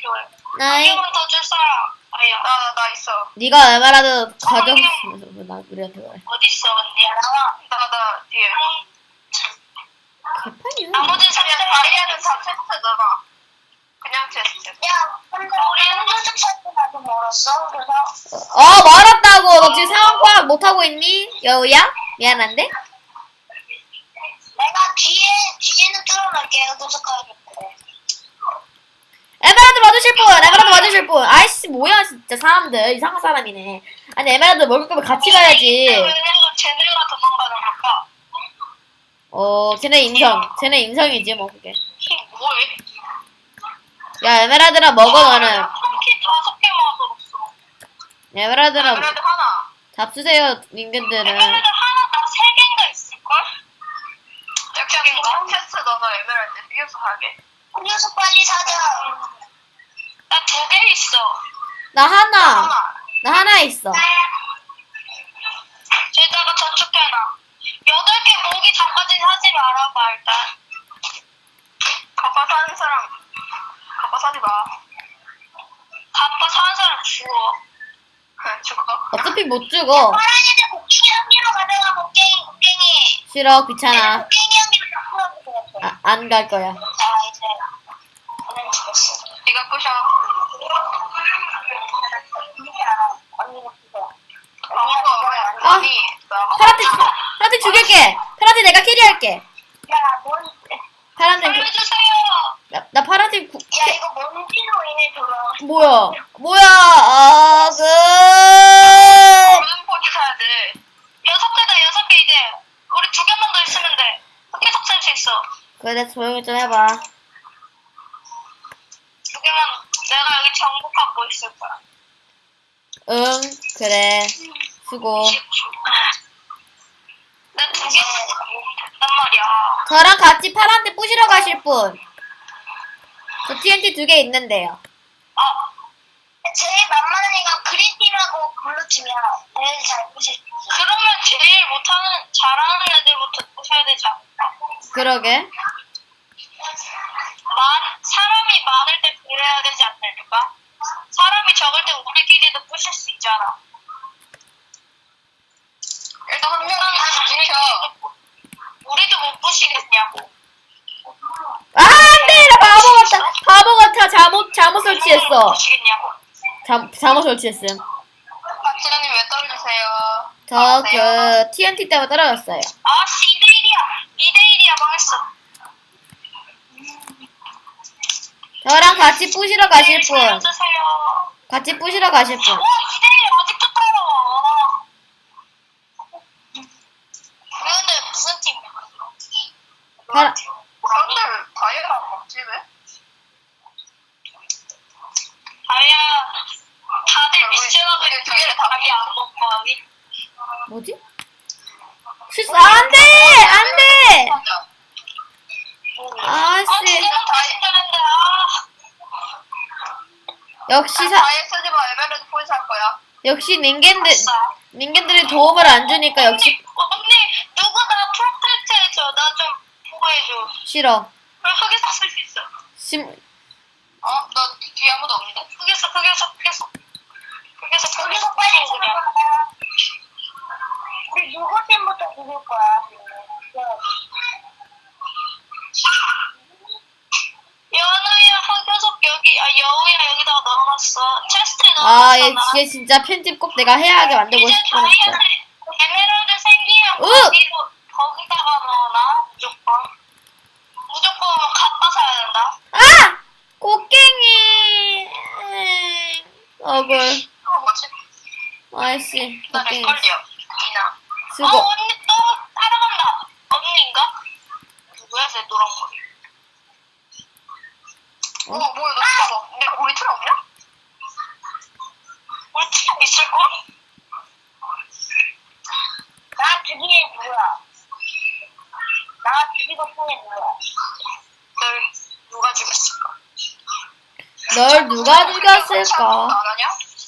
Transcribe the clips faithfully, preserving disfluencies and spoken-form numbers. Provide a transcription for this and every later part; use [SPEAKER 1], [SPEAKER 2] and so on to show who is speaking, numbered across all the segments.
[SPEAKER 1] 필요해.
[SPEAKER 2] 나이.
[SPEAKER 1] 한 개만 더 줄 사람. 아야. 나, 나, 나 있어.
[SPEAKER 2] 네가 에메랄드 가져갔으면서 나 우리한테 말해.
[SPEAKER 1] 어딨어, 언니야? 나와. 나, 나, 뒤에.
[SPEAKER 2] 개판이야.
[SPEAKER 1] 나머지 사람 다이아는 다 체스트잖아. 그냥 체스트. 야, 근데 우리 음료수 체스트가 좀 멀었어, 그래서.
[SPEAKER 2] 어 멀었다고. 너 지금 상황 파악 못하고 있니? 여우야? 미안한데?
[SPEAKER 1] 내가 뒤에, 뒤에는 뚫어놓을게, 음료수 가야겠대.
[SPEAKER 2] 에메랄드 맞으실 분! 에메랄드 맞으실 분! 아이씨 뭐야 진짜 사람들 이상한 사람이네. 아니 에메랄드 먹을 거면 같이 가야지.
[SPEAKER 1] 왜냐면 쟤네가 도망가는 걸까?
[SPEAKER 2] 어 쟤네 인성 쟤네 인성이지 뭐 그게.
[SPEAKER 1] 이게 뭐해?
[SPEAKER 2] 야 에메랄드랑 먹어 너는.
[SPEAKER 1] 펑키 다섯 개 먹었어.
[SPEAKER 2] 에메랄드랑
[SPEAKER 1] 에메랄드 하나.
[SPEAKER 2] 잡수세요 닌겐들은.
[SPEAKER 1] 에메랄드 하나 나 세 개인가 있을걸? 짝짝인가? 테스트 넣어서 에메랄드 음료수 가게. 음료수 빨리 사자. 나 두 개 있어.
[SPEAKER 2] 나 하나.
[SPEAKER 1] 하나.
[SPEAKER 2] 나 하나 있어.
[SPEAKER 1] 저기다가 저축해놔. 여덟 개 모기 전까지 사지 말아봐 일단. 가빠 사는 사람 가빠 사지 마. 가빠 사는 사람 죽어. 죽어.
[SPEAKER 2] 어차피 못 죽어.
[SPEAKER 1] 파란이들 곡괭이 한 개로 가져가. 곡괭이 곡괭이.
[SPEAKER 2] 싫어 귀찮아.
[SPEAKER 1] 곡괭이 한 개로 다 풀어주고.
[SPEAKER 2] 아, 안 갈 거야.
[SPEAKER 1] 자 이제 저는 죽었어. 네가 부셔. 언니가 부셔.
[SPEAKER 2] 아, 파란색 파란색 죽일게. 파란색 내가 캐리할게.
[SPEAKER 1] 야, 뭔?
[SPEAKER 2] 파란색 그-
[SPEAKER 1] 살려주세요.
[SPEAKER 2] 나, 나 파란색 구,
[SPEAKER 1] 야, 이거 먼지로 인해 돌아와.
[SPEAKER 2] 뭐야? 뭐야? 아, 그.
[SPEAKER 1] 무슨 포지 사야 돼? 여섯 개다, 여섯 개 이제. 우리 두 개만 더 있으면 돼. 계속 살 수 있어.
[SPEAKER 2] 그래, 조용히 좀 해봐.
[SPEAKER 1] 두 개만, 내가 여기 정보 갖고 있을 거야.
[SPEAKER 2] 응, 그래. 수고.
[SPEAKER 1] 나 두 개 됐단 말이야.
[SPEAKER 2] 저랑 같이 파란색 부시러 가실 분. 저 티엔티 두 개 있는데요.
[SPEAKER 1] 아, 제일 만만한 애가 그린팀하고 블루팀이야. 제일 잘 부실. 그러면 제일 못하는, 잘하는 애들부터 부셔야 되지 않을까?
[SPEAKER 2] 그러게.
[SPEAKER 1] 많, 사람이 많을 때 그래야 되지 않을까? 사람이 적을 때 우리끼리도 부실 수 있잖아. 일단 한 명이 다 지켜. 우리도 못 부시겠냐고.
[SPEAKER 2] 아, 안 돼! 나 바보 같아. 바보 같아. 잘못, 잘못 설치했어.
[SPEAKER 1] 못 부시겠냐고.
[SPEAKER 2] 잘, 잘못 설치했음.
[SPEAKER 1] 박지현님 왜 떨어지세요?
[SPEAKER 2] 저, 그, 티엔티 때문에 떨어졌어요.
[SPEAKER 1] 아, 씨, 이 대 일이야. 이 대 일이야, 망했어.
[SPEAKER 2] 저랑 같이 부시러 가실 분.
[SPEAKER 1] 살려주세요.
[SPEAKER 2] 같이 부시러 가실 분.
[SPEAKER 1] 와, 이 대 일 아직도 따라와. 우리 근데 무슨 팀이야?
[SPEAKER 2] 파라,
[SPEAKER 1] 사람들 다이아 안 먹지 왜? 다이아 다들 미션하고 두 개를 다이아 안 먹고 하기?
[SPEAKER 2] 뭐지? 실수, 아, 안 돼! 안 돼!
[SPEAKER 1] 아,
[SPEAKER 2] 아씨.
[SPEAKER 1] 지금은 다시 되는데 아.
[SPEAKER 2] 역시 사,
[SPEAKER 1] 다이아 쓰지 마. 에메랄드 포인트 할 거야.
[SPEAKER 2] 역시 닌겐들, 닌겐들이 도움을 안 주니까 역시
[SPEAKER 1] 언니, 언니 누구 나 프로텍트 해줘. 나 좀 보호해줘.
[SPEAKER 2] 싫어.
[SPEAKER 1] 그럼 흑에서 쓸 수 있어.
[SPEAKER 2] 심,
[SPEAKER 1] 어? 너 뒤에 아무도 없는데? 흑에서 흑에서 흑에서 흑에서 흑에서 빨리 그냥. 우리 누구 팀부터 부를 거야? 연우야 흑여석 여기 아 여우야 여기다가 넣어놨어. 체스트에
[SPEAKER 2] 아, 얘,
[SPEAKER 1] 넣어놨어.
[SPEAKER 2] 얘 진짜 편집 꼭 내가 해야하게 만들고
[SPEAKER 1] 이제
[SPEAKER 2] 싶어. 진짜.
[SPEAKER 1] 다이아는 에메랄드 생기면
[SPEAKER 2] 으!
[SPEAKER 1] 거기로 거기다가 넣어놔 무조건. 무조건 갖다 사야 된다.
[SPEAKER 2] 아! 곡괭이. 에이, 억울.
[SPEAKER 1] 어 뭐지?
[SPEAKER 2] 아이씨,
[SPEAKER 1] 나
[SPEAKER 2] 곡괭이.
[SPEAKER 1] 렉걸려. 이나.
[SPEAKER 2] 수고.
[SPEAKER 1] 어 언니 또 따라간다. 언니인가? 누구야 쟤 노란 머리. 어 뭐야 너 틀어. 내 우리 틀어 없냐? 우리 틀어 있을걸? 나 죽인 애 누구야? 나 죽이고 쓴애 누구야? 널 누가 죽였을까?
[SPEAKER 2] 널 누가 죽였을까?
[SPEAKER 1] 안 하냐?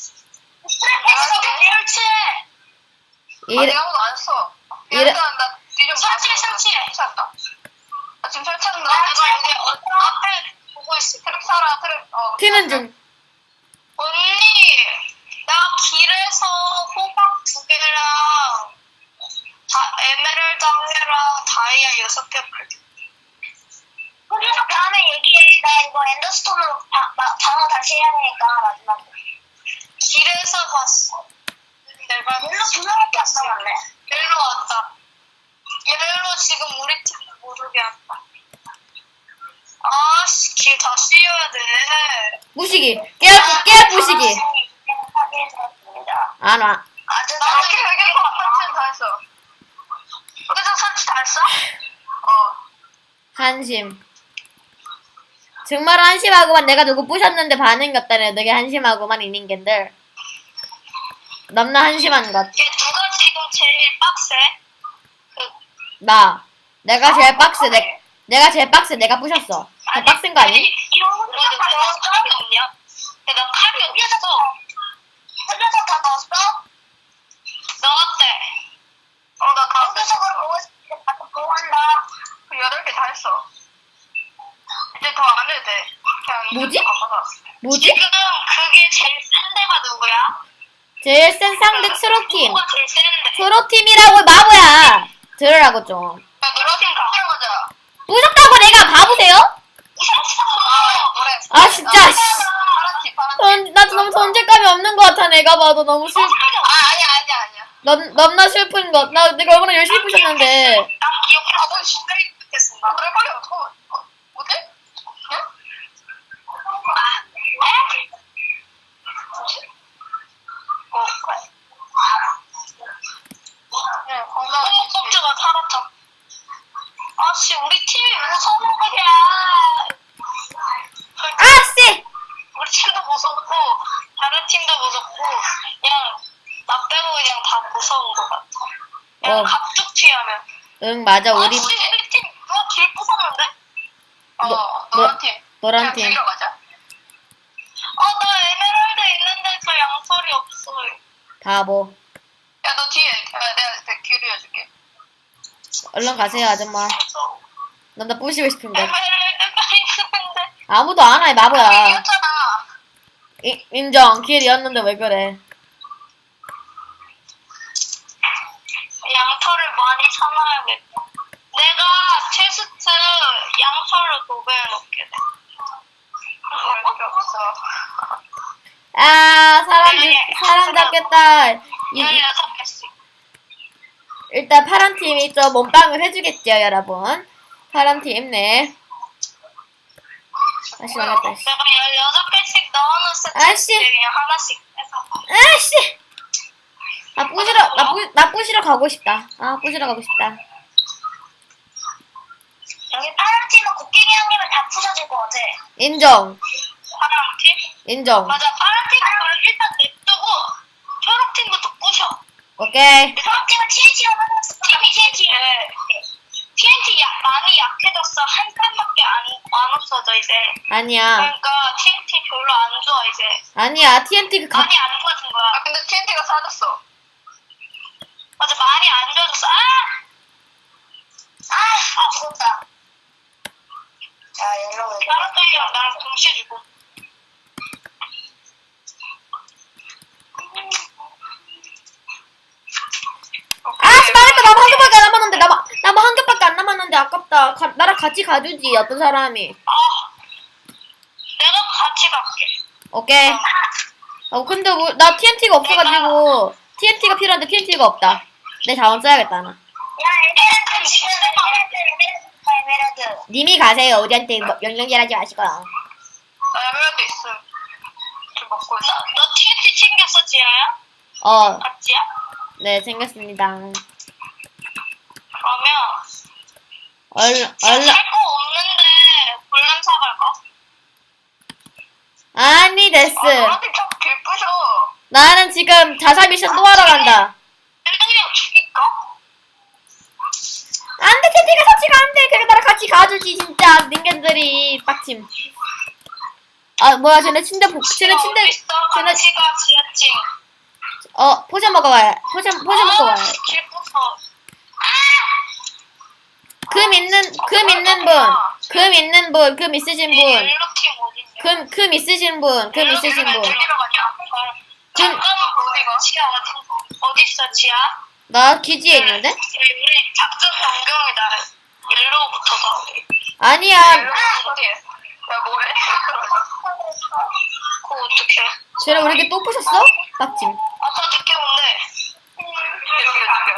[SPEAKER 1] 내가 리얼치해.
[SPEAKER 2] 이래,
[SPEAKER 1] 내가 아무도 안 했어.
[SPEAKER 2] 이래-
[SPEAKER 1] 일단 나 뒤좀 설치해 설치해. 설치했다. 나 지금 설치했는데 내가 여기 어, 앞에 보고 있어. 트랩 살아, 트랩. 어.
[SPEAKER 2] 튀는 중.
[SPEAKER 1] 언니, 나 길에서 호박 두 개랑 다 에메랄드 한 개랑 다이아 여섯 개 팔게. 그래서 다음에 얘기해. 나 이거 엔더스톤으로 바, 마, 방어 다시 해야 되니까 마지막으로. 길에서 봤어. 내가 옐로 두 명밖에 안 남았네. 옐로 왔다. 옐로 지금 우리 팀 모르게 왔다. 아씨, 길 다 씌워야 돼.
[SPEAKER 2] 부시기. 깨알, 깨알 부시기. 안 와.
[SPEAKER 1] 아, 저 나도 이렇게 설치 다 했어. 그래서 설치 다 했어? 어.
[SPEAKER 2] 한심. 정말 한심하고만 내가 누구 부셨는데 반응이 없다네. 되게 한심하고만 이 닌겐들. 넘나 한심한 것.
[SPEAKER 1] 얘 누가 지금 제일 빡세? 그,
[SPEAKER 2] 나. 내가 제일 빡세. 내, 내가 제일 빡세. 내가 부셨어. 더 빡센 거 아니?
[SPEAKER 1] 이런 거 다 넣었어? 칼이 없냐? 야, 나 칼이 없어. 흘려서 다 넣었어? 넣었대. 어, 나 다. 연구석으로 보고 있을 때 보고 한다. 그 여덟 개 다 했어. 이제 더 안 해도 돼. 그냥
[SPEAKER 2] 뭐지?
[SPEAKER 1] 이쪽으로 가봐서.
[SPEAKER 2] 뭐지?
[SPEAKER 1] 지금 그게 제일 센 데가 누구야?
[SPEAKER 2] 제일 센 상대 트로팀.
[SPEAKER 1] 누가 제일 센데?
[SPEAKER 2] 트로팀이라고 바보야. 들으라고 좀.
[SPEAKER 1] 야, 노라팀 가보러 가자.
[SPEAKER 2] 부셨다고 내가 바보세요?
[SPEAKER 1] 아, 뭐래?
[SPEAKER 2] 아, 진짜, 씨.
[SPEAKER 1] 파란팀, 파란팀.
[SPEAKER 2] 전, 나 너무 존재감이 없는 것 같아. 내가 봐도 너무 슬,
[SPEAKER 1] 아, 아니야, 아니야, 아니야.
[SPEAKER 2] 넘, 넘나 슬픈 것. 나 내가 얼마나 열심히 부셨는데.
[SPEAKER 1] 난 기억해. 아, 뭔 신들이 듣겠습니다. 아, 그래, 빨리 어떡해. 어, 어때? 응? 아, 에? 뭐지? 어, 그래. 네, 건강. 꼬목껍질가 살았다. 아씨, 우리 팀이 무서운 거야.
[SPEAKER 2] 아씨!
[SPEAKER 1] 우리 팀도 무섭고, 다른 팀도 무섭고, 그냥, 나 빼고 그냥 다 무서운 것 같아. 그냥
[SPEAKER 2] 어.
[SPEAKER 1] 갑툭 튀하면.
[SPEAKER 2] 응, 맞아.
[SPEAKER 1] 아,
[SPEAKER 2] 우리
[SPEAKER 1] 우리, 우리 팀 누가 길 부쉈는데? 어,
[SPEAKER 2] 너-
[SPEAKER 1] 노란
[SPEAKER 2] 너-
[SPEAKER 1] 팀.
[SPEAKER 2] 노란
[SPEAKER 1] 그냥
[SPEAKER 2] 팀.
[SPEAKER 1] 죽이러 가자. 아, 나 에메랄드 있는데 저 양털이 없어.
[SPEAKER 2] 바보.
[SPEAKER 1] 야, 너 뒤에. 야, 내가, 내가 길 이어줄게.
[SPEAKER 2] 얼른 가세요, 아줌마.
[SPEAKER 1] 무서워.
[SPEAKER 2] 남자 부시고 싶은데.
[SPEAKER 1] 에메랄드가 있는데.
[SPEAKER 2] 아무도 안 와, 이 바보야.
[SPEAKER 1] 길이었잖아.
[SPEAKER 2] 이- 인정. 길이었는데 왜 그래.
[SPEAKER 1] 양털을 많이 사놔야겠다. 내가 체스트 양털로 도배해놓게 돼. 별거 없어.
[SPEAKER 2] 아, 사람, 죽- 사람 잡겠다. 이- 이-
[SPEAKER 1] 열여섯 개씩.
[SPEAKER 2] 일단 파란 팀이 좀 몸빵을 해주겠죠, 여러분. 파란 팀, 네. 다시 나갔다, 씨.
[SPEAKER 1] 내가 열여섯 개씩 넣어놨어.
[SPEAKER 2] 아씨.
[SPEAKER 1] 그냥 하나씩 해서.
[SPEAKER 2] 아씨! 나 부시러, 나 부, 나 부시러 가고 싶다. 아, 부시러 가고 싶다.
[SPEAKER 1] 여기 파란 팀은 곡괭이 형님을 다 부셔줄 것 같아.
[SPEAKER 2] 인정.
[SPEAKER 1] 파란 팀?
[SPEAKER 2] 인정.
[SPEAKER 1] 맞아, 파란 팀은 일단 냅두고 초록 팀부터 부셔.
[SPEAKER 2] 오케이.
[SPEAKER 1] 초록 팀은 티엔티가 많았어. 팀이 티엔티. 티엔티 약, 많이 약해졌어. 한 칸밖에 안, 안 없어져, 이제.
[SPEAKER 2] 아니야.
[SPEAKER 1] 그러니까 티엔티 별로 안 좋아, 이제.
[SPEAKER 2] 아니야. 티엔티 그 가,
[SPEAKER 1] 많이 안 좋아진 거야. 아, 근데 티엔티가 사라졌어. 맞아, 많이 안 좋아졌어. 아! 아! 아, 죽었다. 야, 옐로우. 다른 딸이랑 나랑 동시에 죽어.
[SPEAKER 2] 아씨, 망했다. 나만 한 개밖에 안 남았는데. 나만, 나만 한 개밖에 안 남았는데. 아깝다. 가, 나랑 같이 가주지. 어떤 사람이.
[SPEAKER 1] 아, 내가 같이 갈게.
[SPEAKER 2] 오케이. 어, 근데 뭐, 나 티엔티가 없어가지고. 티엔티가 필요한데 티엔티가 없다. 내 자원 써야겠다, 나.
[SPEAKER 1] 야, 에메랄드 지금 에메랄드, 에메랄드, 에메랄드.
[SPEAKER 2] 님이 가세요. 우리한테 뭐, 명령질하지 마시고.
[SPEAKER 1] 나 에메랄드 있음. 좀 먹고 있어. 너, 너 티엔티 챙겼어, 지아야?
[SPEAKER 2] 어,
[SPEAKER 1] 같이야?
[SPEAKER 2] 네, 생겼습니다.
[SPEAKER 1] 그러면
[SPEAKER 2] 얼른,
[SPEAKER 1] 지금
[SPEAKER 2] 얼른.
[SPEAKER 1] 살거 없는데 볼람 사갈까?
[SPEAKER 2] 아니, 데스.
[SPEAKER 1] 아, 너한테 자꾸 길 부셔.
[SPEAKER 2] 나는 지금 자살 미션 또 하러 간다.
[SPEAKER 1] 헬렌이랑 죽일까?
[SPEAKER 2] 안 돼, 텐티가 터치가 안 돼. 그래, 나랑 같이 가주지, 진짜. 닌겐들이 빡침. 아, 뭐야, 쟤네 침대, 복, 쟤네 침대,
[SPEAKER 1] 어디 있어?
[SPEAKER 2] 쟤네,
[SPEAKER 1] 같이 가, 지하층.
[SPEAKER 2] 어, 포션 먹어와요. 포션, 포션 먹고 와요.
[SPEAKER 1] 길 부숴.
[SPEAKER 2] 금 있는, 금 있는 분. 금 있는 분, 금 있으신 분.
[SPEAKER 1] 옐로 팀 어딨냐?
[SPEAKER 2] 금, 금 있으신 분, 금 있으신 분.
[SPEAKER 1] 어디로 가냐?
[SPEAKER 2] 금-
[SPEAKER 1] 잠깐만 어디가? 지하 어디? 어디 있어 지하?
[SPEAKER 2] 나 기지에 있는데?
[SPEAKER 1] 우리 작전 변경이다. 옐로우부터 더.
[SPEAKER 2] 아니야.
[SPEAKER 1] 옐로우 어디? 야 뭐해? 그거 어떡해?
[SPEAKER 2] 쟤네 우리 이렇게 또 부셨어? 빡짐.
[SPEAKER 1] 아까 늦게 온대. 늦게 늦게.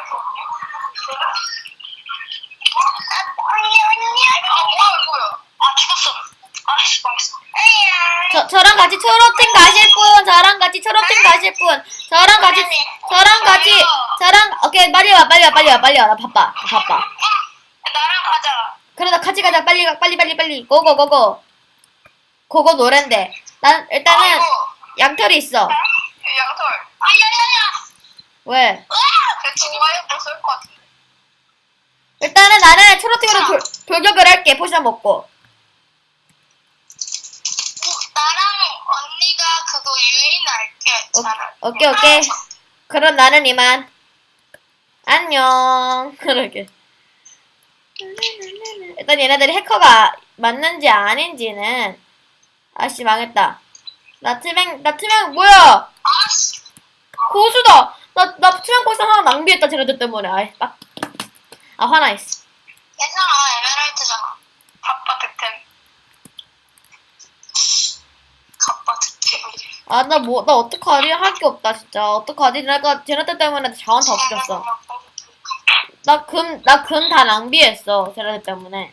[SPEAKER 1] 아 뭐야 뭐야? 아 죽었어. 아씨 망했어.
[SPEAKER 2] 저, 저랑 같이 초록팀 가실 분, 저랑 같이 초록팀 가실 분, 저랑 같이, 저랑 같이, 저랑, 오케이, 빨리 와, 빨리 와, 빨리 와, 빨리 와. 나 바빠, 나 바빠.
[SPEAKER 1] 나랑 가자.
[SPEAKER 2] 그러다 같이 가자, 빨리 가, 빨리, 빨리, 빨리. 고고, 고고. 고고 노랜데. 난, 일단은,
[SPEAKER 1] 아이고.
[SPEAKER 2] 양털이 있어.
[SPEAKER 1] 양털. 아야야야.
[SPEAKER 2] 왜?
[SPEAKER 1] 쟤 지금 와이어 못쓸것 같은데.
[SPEAKER 2] 일단은 나는 초록팀으로 돌, 돌격을 할게, 포션 먹고.
[SPEAKER 1] 나랑 언니가 그거 유인할게.
[SPEAKER 2] 오,
[SPEAKER 1] 차라리.
[SPEAKER 2] 오케이, 오케이. 그럼 나는 이만. 안녕. 그러게. 일단 얘네들이 해커가 맞는지 아닌지는, 아씨, 망했다. 나 투명, 나 투명, 뭐야!
[SPEAKER 1] 아씨.
[SPEAKER 2] 고수다! 나, 나 투명 포션 하나 낭비했다, 쟤네들 때문에. 아이, 빡. 아, 화나 있어.
[SPEAKER 1] 괜찮아. 에메랄드잖아. 갑바 득템. 갑바 득템.
[SPEAKER 2] 아, 나 뭐, 나 어떡하지? 할 게 없다, 진짜. 어떡하지? 내가 쟤네들 때문에 자원 다 없어졌어. 나 금, 나 금 다 낭비했어, 쟤네들 때문에.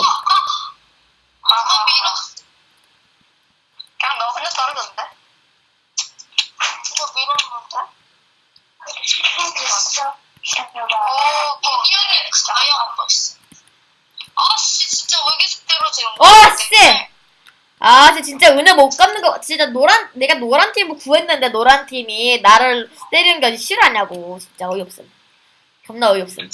[SPEAKER 1] 아, 밀어. 그냥 너 혼자 떨어졌는데? 이거 밀었는데? 됐어. 오, 미니언이 아예 안 봤어. 아씨, 진짜 왜 계속 떨어지는
[SPEAKER 2] 어,
[SPEAKER 1] 거야?
[SPEAKER 2] 씨! 아, 쟤 진짜 은혜 못 갚는 거, 진짜 노란, 내가 노란 팀을 구했는데 노란 팀이 나를 때리는 게 싫어하냐고. 진짜 어이없음. 겁나 어이없음.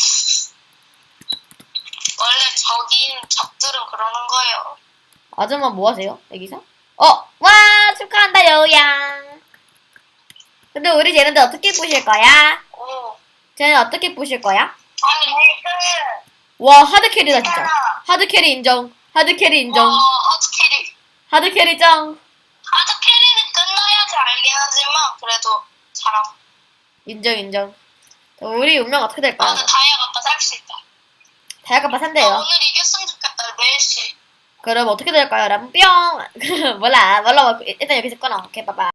[SPEAKER 1] 원래 적인 적들은 그러는 거예요.
[SPEAKER 2] 아줌마 뭐 하세요? 여기서? 어! 와! 축하한다, 여우양! 근데 우리 쟤네들 어떻게 부실 거야?
[SPEAKER 1] 오.
[SPEAKER 2] 쟤네 어떻게 부실 거야?
[SPEAKER 1] 아니, 그,
[SPEAKER 2] 와, 하드캐리다, 진짜. 하드캐리 인정. 하드캐리 인정.
[SPEAKER 1] 와, 하드캐리.
[SPEAKER 2] 하드캐리 짱.
[SPEAKER 1] 하드캐리는 끝나야지 알긴 하지만, 그래도 잘함.
[SPEAKER 2] 인정, 인정. 우리 운명 어떻게
[SPEAKER 1] 아,
[SPEAKER 2] 될까요?
[SPEAKER 1] 근데 다이아 갖다 살 수 있다.
[SPEAKER 2] 다이아까빠
[SPEAKER 1] 아,
[SPEAKER 2] 산대요.
[SPEAKER 1] 오늘 이겼으면 좋겠다, 넷시.
[SPEAKER 2] 그럼 어떻게 될까요? 여러분 뿅! 몰라, 몰라. 일단 여기서 끊어. 오케이, 빠빠.